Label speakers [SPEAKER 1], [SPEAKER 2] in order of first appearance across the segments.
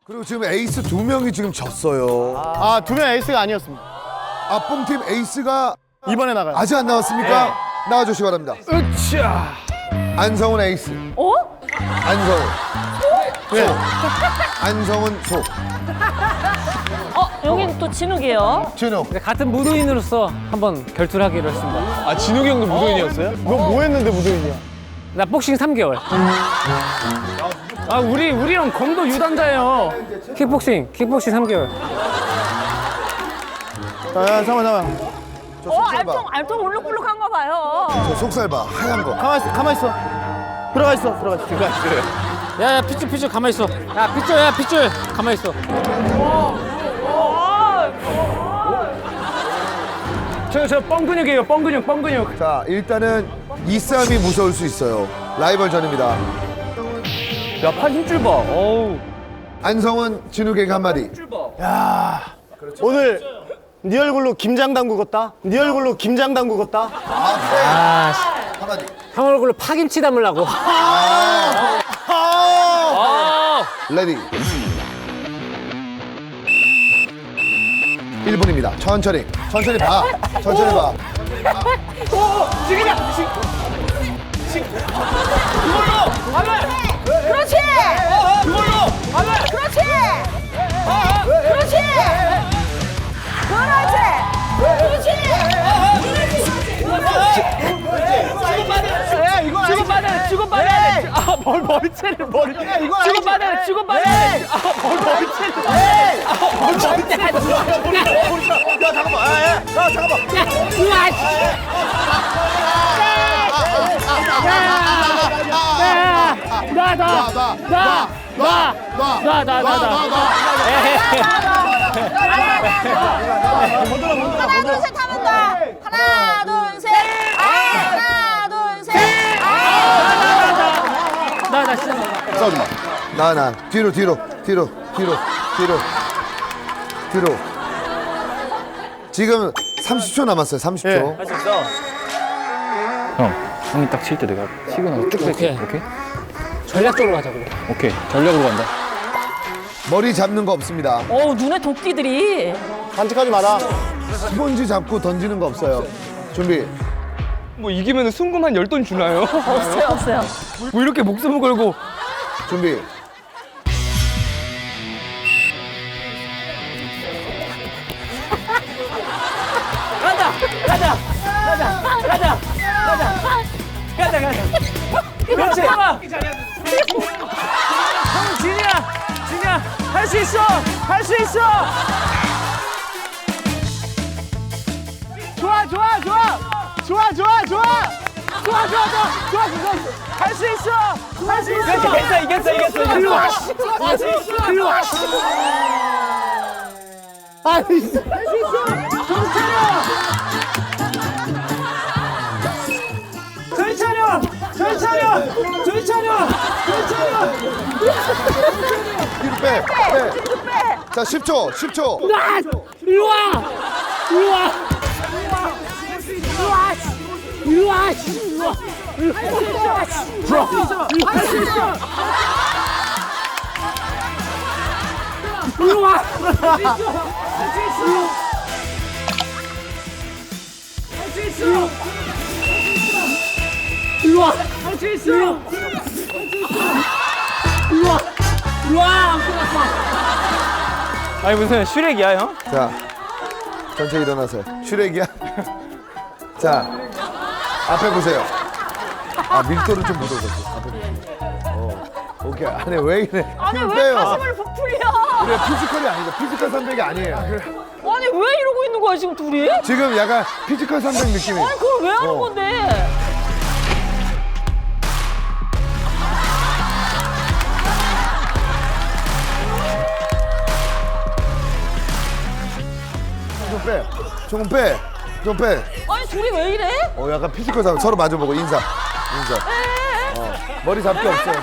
[SPEAKER 1] 그리고 지금 에이스 2명이 지금 졌어요.
[SPEAKER 2] 아, 2명 에이스가 아니었습니다.
[SPEAKER 1] 아, 뽕팀 에이스가
[SPEAKER 2] 이번에 나가요.
[SPEAKER 1] 아직 안 나왔습니까? 나와주시기 바랍니다.
[SPEAKER 2] 으쌰.
[SPEAKER 1] 안성훈 에이스.
[SPEAKER 3] 어?
[SPEAKER 1] 안성훈.
[SPEAKER 2] 네.
[SPEAKER 1] 안성훈 소.
[SPEAKER 3] 여긴 또 진욱이에요.
[SPEAKER 1] 진욱.
[SPEAKER 4] 같은 무도인으로서 한번 결투를 하기로 했습니다.
[SPEAKER 2] 아, 진욱이 형도 무도인이었어요? 너 뭐 했는데 무도인이야?
[SPEAKER 4] 나 복싱 3개월. 아, 우리랑 검도 유단자예요. 킥복싱 3개월.
[SPEAKER 2] 야, 잠깐만.
[SPEAKER 1] 저 속살 봐.
[SPEAKER 3] 알통 울룩불룩한가 봐요.
[SPEAKER 1] 저 속살 봐. 하얀 거.
[SPEAKER 2] 가만 있어. 들어가 있어.
[SPEAKER 4] 야, 핏줄 가만히 있어. 야, 핏줄 가만히 있어. 저 뻥근육이에요, 뻥근육.
[SPEAKER 1] 자, 일단은 이 싸움이 무서울 수 있어요. 라이벌전입니다.
[SPEAKER 4] 야, 팔 힘줄 봐. 어우.
[SPEAKER 1] 안성훈, 진욱에게 한마디.
[SPEAKER 2] 오늘 네 얼굴로 김장 담그겠다.
[SPEAKER 4] 아, 씨.
[SPEAKER 1] 한마디.
[SPEAKER 4] 형 얼굴로 파김치 담으려고.
[SPEAKER 1] 레디. 1분입니다. 천천히 봐. 천천히 봐.
[SPEAKER 3] 그렇지! 그렇지! 주고받아야 돼. 아, 머리채를. 주고받아야 돼. 아, 머리채를. 하나, 둘, 셋 하면 돼. 하나, 둘, 셋. 하나, 둘, 셋.
[SPEAKER 4] 나 진짜.
[SPEAKER 1] 싸우지 마. 나. 뒤로. 지금 30초 남았어요. 30초.
[SPEAKER 4] 할 수 있어.
[SPEAKER 5] 형이 딱 칠 때 내가 치고 나서 쭉 뺄게. 오케이?
[SPEAKER 4] 전략적으로 가자고.
[SPEAKER 5] 오케이. 전략으로 간다.
[SPEAKER 1] 머리 잡는 거 없습니다.
[SPEAKER 3] 어우, 눈에 도끼들이.
[SPEAKER 2] 반칙하지 마라.
[SPEAKER 1] 스폰지 잡고 던지는 거 없어요. 준비.
[SPEAKER 5] 뭐 이기면 순금 한 10돈 주나요?
[SPEAKER 3] 없어요.
[SPEAKER 5] 뭐 이렇게 목숨을 걸고.
[SPEAKER 1] 준비.
[SPEAKER 4] 그렇지. 형, 진이야. 할 수 있어. 좋아. 할 수 있어. 이겼어. 일로 와.
[SPEAKER 1] 뒤로 빼. 자, 10초.
[SPEAKER 4] 일로 와. 아니 무슨 슈렉이야 형?
[SPEAKER 1] 자, 천천히 일어나세요. 슈렉이야? 자, 앞에 보세요. 아, 밀도를 좀 묻어줬어. 앞에 보세요. 오케이. 아니, 왜 이래?
[SPEAKER 3] 아니,
[SPEAKER 1] 힘을
[SPEAKER 3] 왜
[SPEAKER 1] 빼요.
[SPEAKER 3] 가슴을 부풀려?
[SPEAKER 1] 그래, 피지컬이 아니다. 피지컬 300이 아니에요.
[SPEAKER 3] 아니, 왜 이러고 있는 거야, 지금 둘이?
[SPEAKER 1] 지금 약간 피지컬 300 느낌이.
[SPEAKER 3] 아니, 그걸 왜 하는 건데?
[SPEAKER 1] 조금 빼.
[SPEAKER 3] 아니, 둘이 왜 이래?
[SPEAKER 1] 약간 피지컬 300. 서로 마주보고 인사. 머리 잡기 없어요.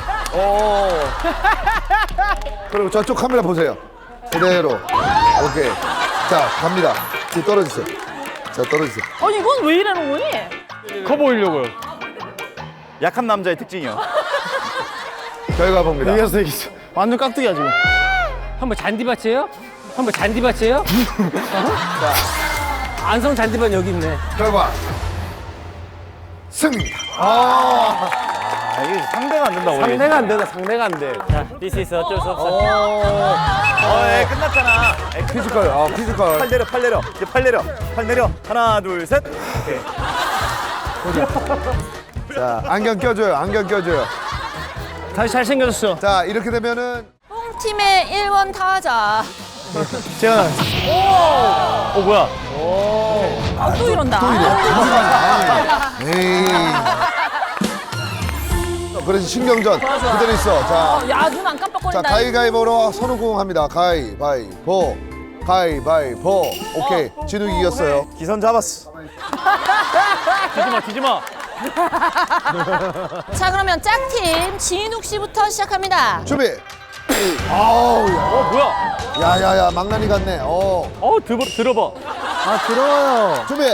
[SPEAKER 1] 그리고 저쪽 카메라 보세요. 그대로. 오케이. 자, 갑니다. 뒤 떨어지세요. 자, 떨어지세요.
[SPEAKER 3] 아니, 이건 왜 이러는 거니?
[SPEAKER 5] 커 보이려고요.
[SPEAKER 6] 약한 남자의 특징이요.
[SPEAKER 1] 결과 봅니다.
[SPEAKER 2] 이겼어. 완전 깍두기야, 지금.
[SPEAKER 4] 형 뭐 잔디밭이에요? 형 뭐 잔디밭이에요? 안성 잔디밭 여기 있네.
[SPEAKER 1] 결과 승리입니다.
[SPEAKER 6] 아, 이게 상대가 안 된다, 우리.
[SPEAKER 2] 상대가 안 되다, 상대가 안 돼.
[SPEAKER 4] 자, this is 어쩔 수 없어.
[SPEAKER 6] 끝났잖아.
[SPEAKER 1] 피지컬, 피지컬.
[SPEAKER 6] 팔 내려, 팔 내려. 이제 팔 내려. 팔 내려. 하나, 둘, 셋. 오케이.
[SPEAKER 1] 자, 안경 껴줘요. 안경 껴줘요.
[SPEAKER 2] 다시 잘생겨졌어.
[SPEAKER 1] 자, 이렇게 되면은
[SPEAKER 3] 뽕팀의 1번 타자.
[SPEAKER 2] 재현아.
[SPEAKER 6] 뭐야?
[SPEAKER 3] 또 이런다.
[SPEAKER 1] 에이. 그래서 신경전 그대로 있어. 자,
[SPEAKER 3] 야, 눈 안
[SPEAKER 1] 자
[SPEAKER 3] 깜빡거린다.
[SPEAKER 1] 가위가위보로 선우공합니다. 가위바위보, 가위바위보. 오케이, 진욱이 이겼어요.
[SPEAKER 6] 기선 잡았어.
[SPEAKER 5] 뒤지마 뒤지마.
[SPEAKER 3] 자, 그러면 짝팀 진욱 씨부터 시작합니다.
[SPEAKER 1] 준비. 아우,
[SPEAKER 5] 뭐야?
[SPEAKER 1] 야야야, 망나니 같네.
[SPEAKER 5] 들어봐.
[SPEAKER 2] 아, 들어요.
[SPEAKER 1] 준비.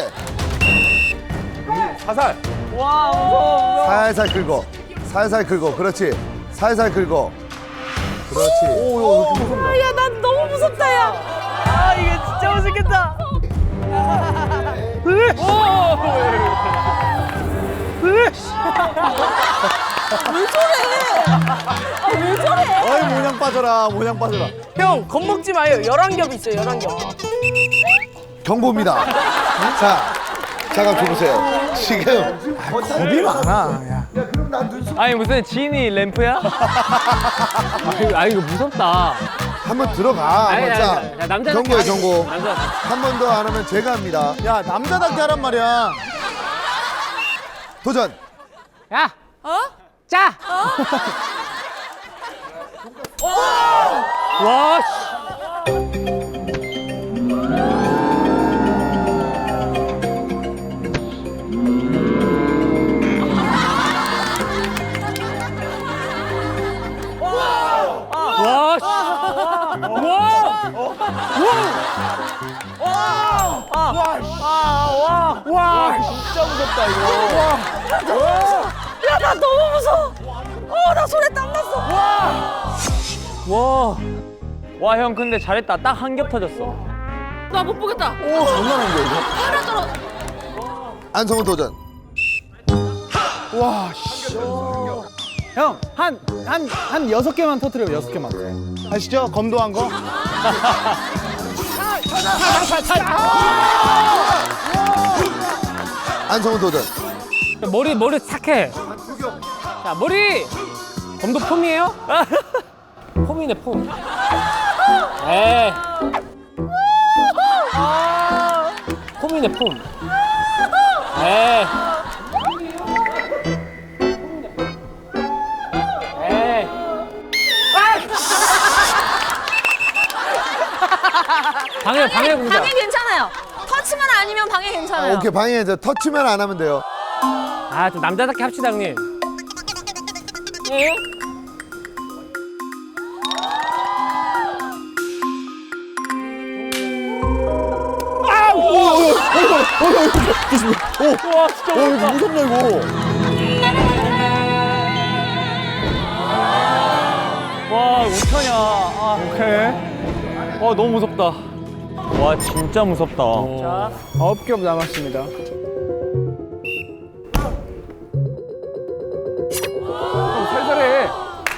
[SPEAKER 6] 사살.
[SPEAKER 1] 살살 긁어. 살살 긁어. 그렇지. 살살 긁어. 그렇지.
[SPEAKER 3] 야, 난 너무 무섭다, 야. 아, 이게 진짜 무섭겠다. 왜 저래? 아, 왜 저래?
[SPEAKER 2] 어이, 모냥 빠져라, 모냥 빠져라.
[SPEAKER 7] 형, 겁먹지 마요. 11겹 있어요, 11겹.
[SPEAKER 1] 경보입니다. 자, 잠깐 줘보세요. 지금
[SPEAKER 2] 겁이 많아. 야.
[SPEAKER 5] 아니 무슨 지인이 램프야?
[SPEAKER 4] 아 이거 무섭다.
[SPEAKER 1] 한번 들어가.
[SPEAKER 4] 아니,
[SPEAKER 1] 한번 자,
[SPEAKER 4] 아니, 남자답게
[SPEAKER 1] 경고예요,
[SPEAKER 4] 하기.
[SPEAKER 1] 경고.
[SPEAKER 4] 남자.
[SPEAKER 1] 한 번 더 안 하면 제가 합니다.
[SPEAKER 2] 야, 남자답게 하란 말이야.
[SPEAKER 1] 도전.
[SPEAKER 4] 야. 짜. 와. 씨. 와. 씨.
[SPEAKER 2] 진짜 무섭다, 이거.
[SPEAKER 3] 야, 나 너무 무서워. 나 손에 땀 났어.
[SPEAKER 5] 와. 와 형 근데 잘했다. 딱 한 겹 터졌어.
[SPEAKER 3] 나 못 보겠다.
[SPEAKER 1] 오, 장난한 거야, 이거.
[SPEAKER 3] 하나 떨어.
[SPEAKER 1] 안성훈 도전.
[SPEAKER 2] 와, 씨. 형, 한 6개만 터트려요, 6개만. 아시죠? 검도한 거?
[SPEAKER 1] 안성훈 도전.
[SPEAKER 4] 머리 착해. 자 머리. 검도 폼이에요? 폼이네 폼. 에이. 폼이네 폼. 에이. 에이. 방해 공작.
[SPEAKER 3] 방해 괜찮아요. 터치만 아니면 방해 괜찮아요.
[SPEAKER 1] 오케이, 방해 이제 터치만 안 하면 돼요.
[SPEAKER 4] 아, 좀 남자답게 합시다, 형님. 예?
[SPEAKER 2] 이거 무섭네, 이거.
[SPEAKER 5] 와 어떡하냐. 아 오케이. 와 너무 무섭다. 와 진짜 무섭다.
[SPEAKER 2] 자, 9겹 남았습니다.
[SPEAKER 5] 살살해.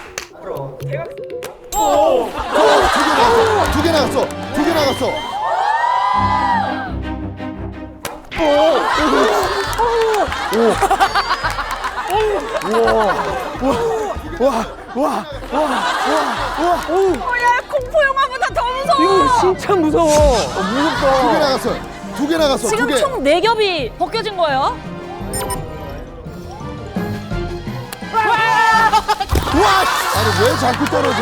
[SPEAKER 1] 두 개 나갔어. 두 개 나갔어.
[SPEAKER 3] 야, 공포 영화보다 더 무서워.
[SPEAKER 4] 이거 진짜 무서워.
[SPEAKER 1] 두 개 나갔어. 두 개 나갔어. 두
[SPEAKER 3] 지금
[SPEAKER 1] 개.
[SPEAKER 3] 총 4겹이 벗겨진 거예요.
[SPEAKER 1] 아니, 왜 자꾸 떨어져?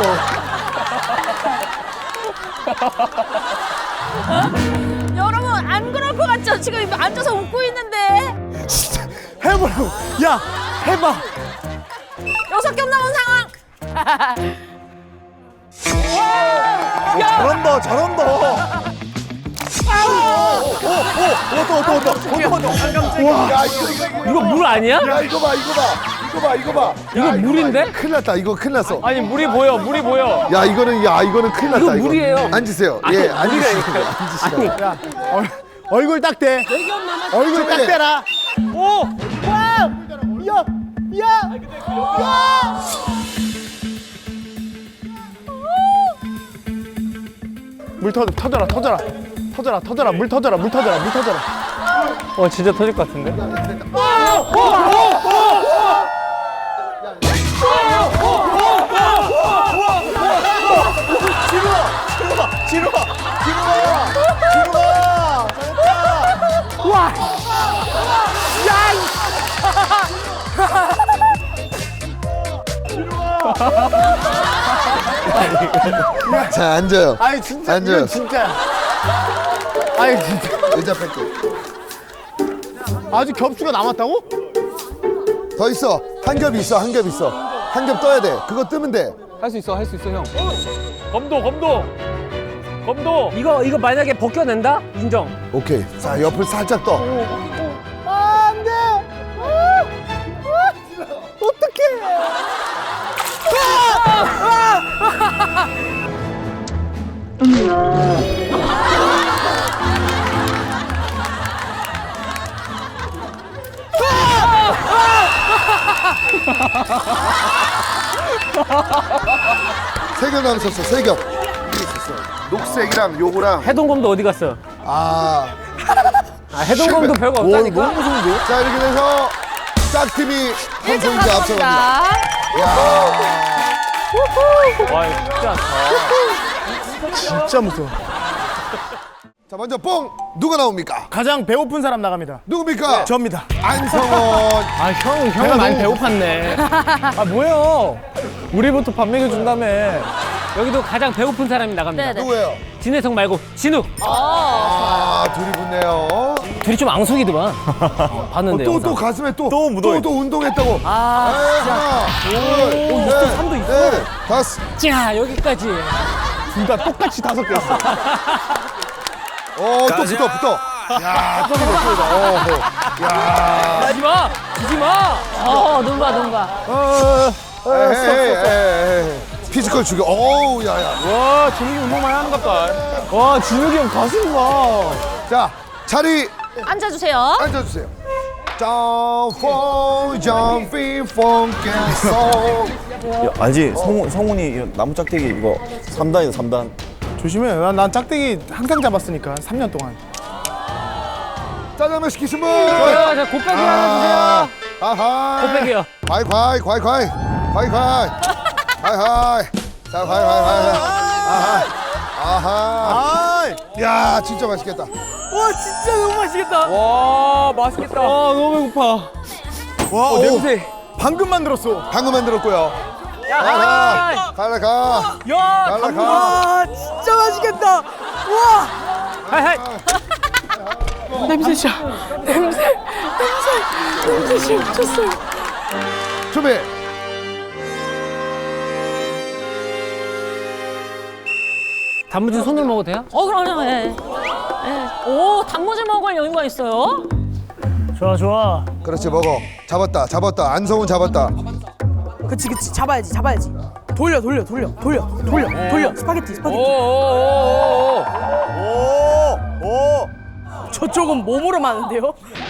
[SPEAKER 3] 여러분, 안 그럴 것 같죠? 지금 앉아서 웃고 있는데.
[SPEAKER 2] 해보라고. 야, 해봐.
[SPEAKER 3] 6겹 남은 상황.
[SPEAKER 2] 잘한다, 잘한다. 또.
[SPEAKER 1] 야, 이거.
[SPEAKER 4] 이거 물 아니야?
[SPEAKER 1] 야, 이거 봐, 이거 봐. 이거 봐.
[SPEAKER 5] 이거 물인데?
[SPEAKER 1] 큰일 났다. 이거 큰일 났어.
[SPEAKER 5] 아니 물이 보여.
[SPEAKER 1] 야, 이거는 큰일 났다.
[SPEAKER 5] 이거 물이에요.
[SPEAKER 1] 앉으세요. 예, 앉으시고. 앉으시고.
[SPEAKER 2] 야, 얼굴 딱 대. 얼굴 딱 대라.
[SPEAKER 5] 오!
[SPEAKER 2] 와! 야! 야! 야! 물 터져라. 물 터져라.
[SPEAKER 5] 진짜 터질 것 같은데?
[SPEAKER 1] 자, 앉아요.
[SPEAKER 2] 아니 진짜
[SPEAKER 1] 앉아요.
[SPEAKER 2] 이건 진짜. 아니 진짜
[SPEAKER 1] 의자 뺄게.
[SPEAKER 2] 아주 겹수가 남았다고?
[SPEAKER 1] 더 있어. 한 겹 있어. 한 겹 떠야 돼. 그거 뜨면 돼.
[SPEAKER 2] 할 수 있어 형.
[SPEAKER 5] 검도.
[SPEAKER 7] 이거 만약에 벗겨낸다? 인정.
[SPEAKER 1] 오케이. 자, 옆을 살짝 떠.
[SPEAKER 2] 안돼. 어떡해.
[SPEAKER 1] 세 겹 남았었어. 세 겹. 이게 있었어. 녹색이랑 요거랑.
[SPEAKER 5] 해동검도 어디 갔어?
[SPEAKER 1] 아.
[SPEAKER 5] 해동검도 별거 없다니까.
[SPEAKER 1] 너무 무서운데요? 자, 이렇게 돼서 짝팀이 한 포인트 앞서갑니다. 야.
[SPEAKER 5] 와 이거 쉽지 않다.
[SPEAKER 2] 진짜 무서워.
[SPEAKER 1] 자, 먼저 뽕 누가 나옵니까?
[SPEAKER 2] 가장 배고픈 사람 나갑니다.
[SPEAKER 1] 누굽니까?
[SPEAKER 2] 저입니다.
[SPEAKER 1] 안성원.
[SPEAKER 2] 형은 많이 배고팠네. 아 뭐예요? 우리부터 밥 먹여준다며.
[SPEAKER 5] 여기도 가장 배고픈 사람이 나갑니다.
[SPEAKER 3] 네네.
[SPEAKER 1] 누구예요?
[SPEAKER 5] 진혜성 말고 진우.
[SPEAKER 1] 아, 둘이 붙네요.
[SPEAKER 5] 둘이 좀 앙숙이더만. 봤는데
[SPEAKER 1] 또 가슴에 또
[SPEAKER 6] 묻어있-
[SPEAKER 1] 또 운동했다고.
[SPEAKER 5] 아
[SPEAKER 1] 하나, 둘, 셋,
[SPEAKER 5] 삼도 있어.
[SPEAKER 1] 넷, 다섯.
[SPEAKER 5] 자 여기까지.
[SPEAKER 2] 둘 다 똑같이 5개 있어.
[SPEAKER 1] 또 붙어. 야, 또 붙어. 야.
[SPEAKER 5] 지지 마.
[SPEAKER 3] 눈 봐.
[SPEAKER 1] 에이. 피지컬 죽여. 어우, 야야.
[SPEAKER 2] 와 진욱이 운동 많이 하는 것 같다. 와 진욱이 형 가슴 봐.
[SPEAKER 1] 자, 자리
[SPEAKER 3] 앉아주세요.
[SPEAKER 1] 앉아주세요. Jumping funky soul.
[SPEAKER 6] 알지? 성훈이 나무 짝대기 이거 3단이다 3단.
[SPEAKER 2] 조심해. 난 짝대기 항상 잡았으니까 3년 동안.
[SPEAKER 1] 짜장면 시키신 분.
[SPEAKER 5] 자 곱빼기 하나 주세요.
[SPEAKER 1] 아하.
[SPEAKER 5] 곱빼기요.
[SPEAKER 1] 과이. 자, 과이. 아하. 야, 진짜 맛있겠다.
[SPEAKER 7] 와 진짜 너무 맛있겠다.
[SPEAKER 5] 와 맛있겠다.
[SPEAKER 2] 너무 배고파.
[SPEAKER 1] 와,
[SPEAKER 2] 냄새. 방금 만들었어.
[SPEAKER 1] 방금 만들었고요. 가.
[SPEAKER 7] 와 진짜 맛있겠다. 와.
[SPEAKER 5] 하이하이.
[SPEAKER 7] 냄새 미쳤어요.
[SPEAKER 1] 준비.
[SPEAKER 5] 단무지 손으로 먹어도 돼요?
[SPEAKER 3] 그럼요. 예. 오, 단무지 먹을 여유가 있어요.
[SPEAKER 7] 좋아.
[SPEAKER 1] 그렇지, 먹어. 잡았다. 안성훈 잡았다.
[SPEAKER 7] 그치 잡아야지. 돌려. 스파게티.
[SPEAKER 5] 오오오오오.
[SPEAKER 7] 저쪽은 몸으로 마는데요?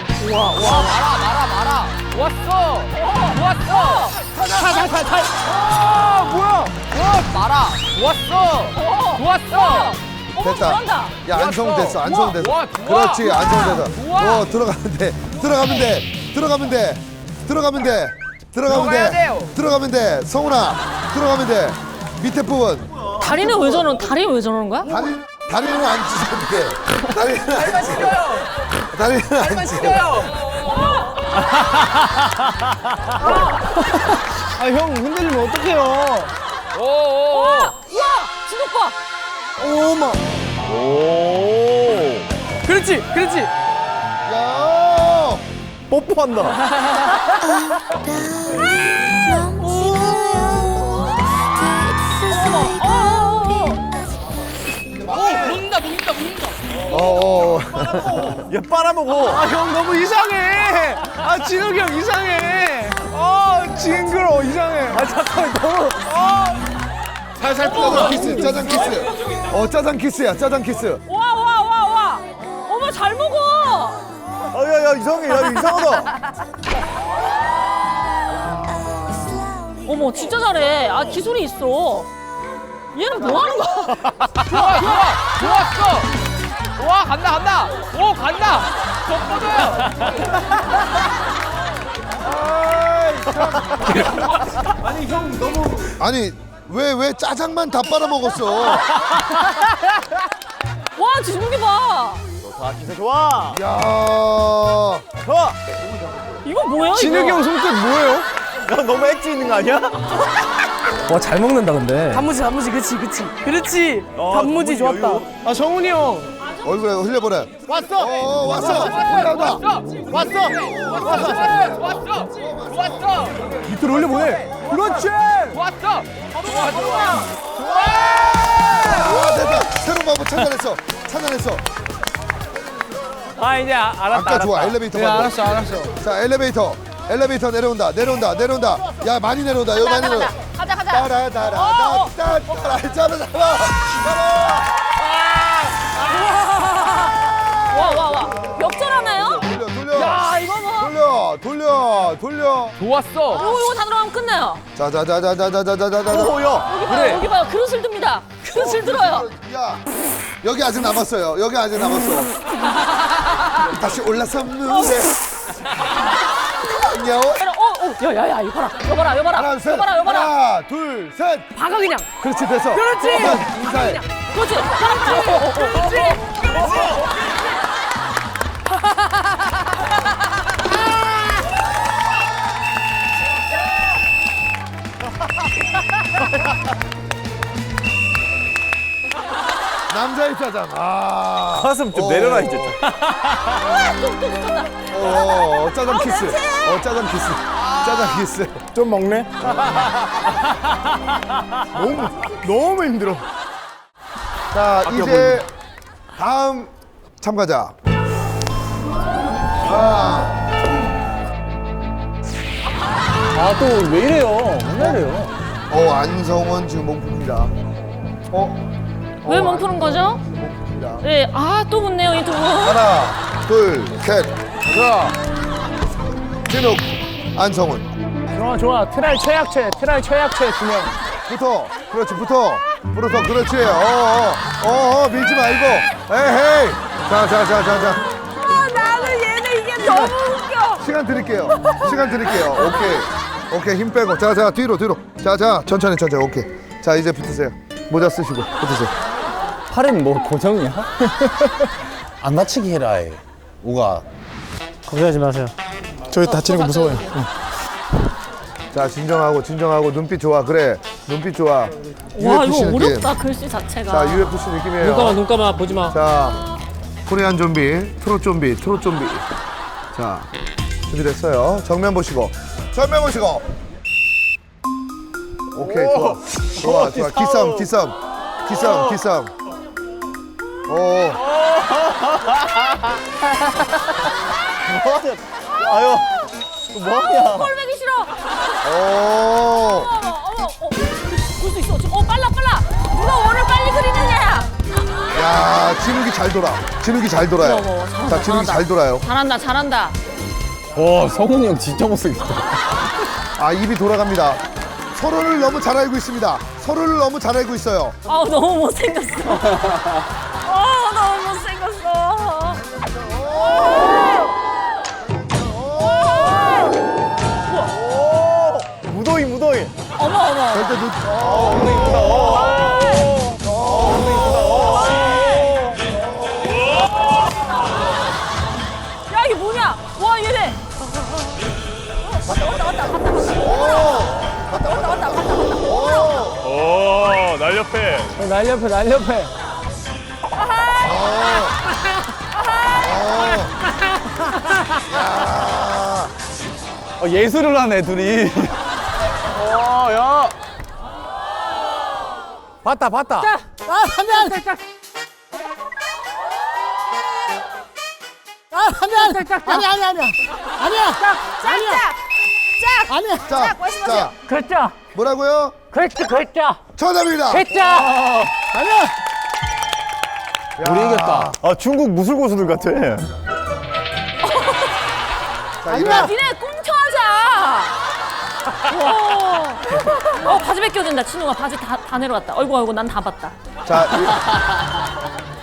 [SPEAKER 5] 왔어. 왔어.
[SPEAKER 1] 됐다.
[SPEAKER 3] 잘한다.
[SPEAKER 1] 야, 안성훈 됐어.
[SPEAKER 5] 우와.
[SPEAKER 1] 그렇지, 안성훈 됐어.
[SPEAKER 5] 우와.
[SPEAKER 1] 들어가면 돼. 성훈아, 들어가면 돼. 밑에 부분.
[SPEAKER 3] 다리는 왜 저러는 거야?
[SPEAKER 1] 다리는 안 찢어도 돼. 다리는 안 찢어.
[SPEAKER 2] 형 흔들리면 어떡해요?
[SPEAKER 3] 우와, 진욱 봐.
[SPEAKER 2] 어머.
[SPEAKER 7] 그렇지.
[SPEAKER 1] 야!
[SPEAKER 2] 뽀뽀한다.
[SPEAKER 3] 어,
[SPEAKER 7] 녹는다.
[SPEAKER 1] 어.
[SPEAKER 6] 얘 빨아먹어.
[SPEAKER 2] 아, 형 너무 이상해. 아, 진욱이 형 이상해. 아, 징그러 이상해. 아, 잠깐만 너무.
[SPEAKER 1] 살살 짜장 키스, 짜장 키스. 짜장 키스야, 짜장 키스.
[SPEAKER 3] 와. 어머, 잘 먹어.
[SPEAKER 6] 야 이상해. 야 이상하다.
[SPEAKER 3] 어머, 진짜 잘해. 아, 기술이 있어. 얘는 뭐 하는 거야?
[SPEAKER 5] 좋았어. 와 간다. 오 간다. 저 뻗어요.
[SPEAKER 1] 아니, 왜 짜장만 다 빨아먹었어?
[SPEAKER 3] 와, 진욱이 봐.
[SPEAKER 6] 자 기세 좋아.
[SPEAKER 1] 야,
[SPEAKER 6] 좋아.
[SPEAKER 3] 이거 뭐야,
[SPEAKER 2] 진욱이
[SPEAKER 3] 이거?
[SPEAKER 2] 형 손끝 뭐예요?
[SPEAKER 6] 야 너무 엣지 있는 거 아니야?
[SPEAKER 2] 와, 잘 먹는다 근데.
[SPEAKER 7] 단무지 그치. 단무지
[SPEAKER 6] 단무지
[SPEAKER 7] 좋았다.
[SPEAKER 6] 여유.
[SPEAKER 2] 아, 정훈이 형.
[SPEAKER 1] 얼굴에 흘려보내.
[SPEAKER 2] 왔어.
[SPEAKER 1] 왔어. 올라온다.
[SPEAKER 5] 왔어.
[SPEAKER 2] 밑으로 올려보내. 그렇지.
[SPEAKER 5] 왔어.
[SPEAKER 1] 됐다. 새로운 방법 찾아냈어.
[SPEAKER 5] 아 이제 알았다.
[SPEAKER 1] 아까 좋아. 엘리베이터
[SPEAKER 2] 네,
[SPEAKER 1] 방법.
[SPEAKER 2] 알았어.
[SPEAKER 1] 자, 엘리베이터 내려온다. 야, 많이 내려온다. 여기 많이 내려온다.
[SPEAKER 3] 가자.
[SPEAKER 1] 따라. 잡아.
[SPEAKER 3] 와. 역전하나요?
[SPEAKER 1] 돌려.
[SPEAKER 3] 야, 이거 뭐.
[SPEAKER 1] 돌려.
[SPEAKER 5] 좋았어.
[SPEAKER 3] 이거 다 들어가면 끝나요.
[SPEAKER 1] 자자자자자자자자자.
[SPEAKER 6] 오야.
[SPEAKER 5] 그래.
[SPEAKER 3] 여기 봐요. 그릇을 듭니다. 그릇을 들어요.
[SPEAKER 1] 야, 여기 아직 남았어요. 다시 올라섰는데.
[SPEAKER 3] 야야야, 이거 봐라.
[SPEAKER 1] 하나, 셋. 하나, 둘, 셋.
[SPEAKER 7] 박아 그냥.
[SPEAKER 1] 그렇지, 됐어.
[SPEAKER 7] 그렇지.
[SPEAKER 1] 인사해.
[SPEAKER 3] 그렇지.
[SPEAKER 1] 남자의 짜장.
[SPEAKER 6] 가슴 좀 내려놔 이제.
[SPEAKER 3] 또 붙었다.
[SPEAKER 1] 짜장 키스.
[SPEAKER 2] 좀 먹네. 너무 힘들어.
[SPEAKER 1] 자, 이제 다음 참가자.
[SPEAKER 2] 아, 또 왜 이래요? 맨날 이래요.
[SPEAKER 1] 안성원 지금 몸풉니다.
[SPEAKER 3] 왜 멈추는 거죠?
[SPEAKER 1] 몸풉니다.
[SPEAKER 3] 네, 또 붙네요, 이 두 분.
[SPEAKER 1] 하나, 둘, 셋. 자, 진욱, 안성훈.
[SPEAKER 2] 좋아. 트라이 최약체 2명.
[SPEAKER 1] 붙어. 그렇지. 밀지 말고. 에헤이. 자.
[SPEAKER 3] 나는 얘네 이게 너무 웃겨.
[SPEAKER 1] 시간 드릴게요. 오케이. 힘 빼고. 자, 뒤로. 자, 천천히. 오케이. 자, 이제 붙으세요. 모자 쓰시고 붙으세요.
[SPEAKER 2] 팔은 뭐 고정이야? 안 다치게 해라. 우가.
[SPEAKER 4] 걱정하지 마세요.
[SPEAKER 2] 저희 다치는 거 무서워요.
[SPEAKER 1] 자, 진정하고 눈빛 좋아. 그래. 눈빛 좋아.
[SPEAKER 3] 와,
[SPEAKER 1] UFC
[SPEAKER 3] 이거
[SPEAKER 1] 느낌.
[SPEAKER 3] 어렵다, 글씨 자체가.
[SPEAKER 1] 자, UFC 느낌이에요.
[SPEAKER 4] 눈 감아 보지 마.
[SPEAKER 1] 자, 코리안 좀비, 트롯 좀비. 자, 준비됐어요. 정면 보시고. 오케이, 좋아. 기싸움.
[SPEAKER 6] 아유. 뭐하냐.
[SPEAKER 3] 꼴보기 싫어.
[SPEAKER 1] 오.
[SPEAKER 3] 볼 수 있어. 지금 빨라. 누가 원을 빨리 그리느냐.
[SPEAKER 1] 야, 진욱이 잘 돌아요.
[SPEAKER 3] 잘한다,
[SPEAKER 1] 자, 진욱이
[SPEAKER 3] 잘한다.
[SPEAKER 1] 잘 돌아요.
[SPEAKER 3] 잘한다.
[SPEAKER 2] 와, 성훈이 형 진짜 못생겼다.
[SPEAKER 1] 입이 돌아갑니다. 서로를 너무 잘 알고 있습니다. 있어요.
[SPEAKER 3] 너무 못생겼어. 너무 못생겼어.
[SPEAKER 6] 무도이.
[SPEAKER 3] 어머.
[SPEAKER 1] 절대
[SPEAKER 3] 야, 이게 뭐냐? 와, 얘네. 왔다.
[SPEAKER 6] 오 날렵해.
[SPEAKER 2] 날렵해. 예술을 하네, 둘이.
[SPEAKER 5] 야. 봤다.
[SPEAKER 3] 자, 하면.
[SPEAKER 1] 자,
[SPEAKER 5] 글자.
[SPEAKER 1] 뭐라고요?
[SPEAKER 5] 글자.
[SPEAKER 1] 정답입니다.
[SPEAKER 5] 글자.
[SPEAKER 4] 우리 이겼다.
[SPEAKER 6] 아, 중국 무술 고수들 같아.
[SPEAKER 1] 자, 이거
[SPEAKER 3] 니네 꽁쳐하자. 바지 벗겨진다. 진우가 바지 다 내려왔다. 어이구 난 다 봤다.
[SPEAKER 1] 자,